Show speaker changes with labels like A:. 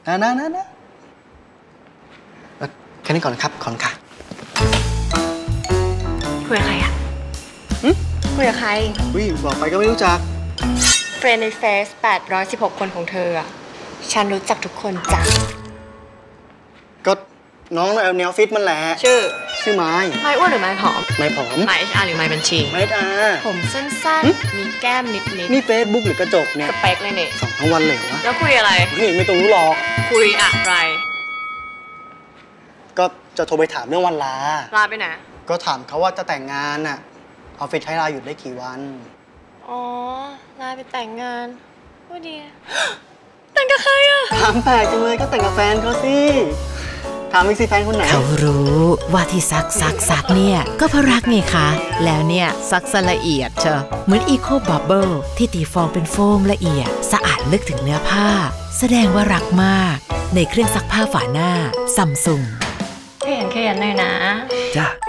A: นะแค่นี้ก่อนนะครับขอนค่ะ
B: คุยกับใครอะคุยกับใคร
A: บอกไปก็ไม่รู้จัก
B: เฟรนด์ในเฟซ816 คนของเธออะฉันรู้จักทุกคนจ้ะ
A: ก็น้องในออฟฟิศมันแหละชื่อไม้
B: อ้วนหรือไม้ผอม
A: ไม้ผอม
B: ไม้ HR หรือไม้บัญชี
A: ไม้ HR
B: ผมสั้นๆมีแก้มนิด
A: นี่เฟซบุ๊กหรือกระจกเนี่ย
B: สเปคเลยเนี่ย
A: ส่องทั้งวันเลยวะ
B: แล้วคุยอะไร
A: ไม่ต้องรู้หรอก
B: คุยอะไร
A: ก็จะโทรไปถามเรื่องวันลา
B: ไปไหน
A: ก็ถามเขาว่าจะแต่งงานน่ะออฟฟิศให้ลาหยุดได้กี่วัน
B: อ๋อลาไปแต่งงานว่าดีแต่งกับใครอะ
A: ถามแปลกจังเลยก็แต่งกับแฟนเขาสิถามอีกสิแฟนคนไหน
C: เขารู้ว่าที่ซักเนี่ยก็เพราะรักไงคะแล้วเนี่ยซักละเอียดเชอะเหมือนอีโคบับเบิลที่ตีฟองเป็นโฟมละเอียดสะอาดลึกถึงเนื้อผ้าแสดงว่ารักมากในเครื่องซักผ้าฝาหน้าซัมซุง
B: ขยันหน่อยนะ
C: จ้ะ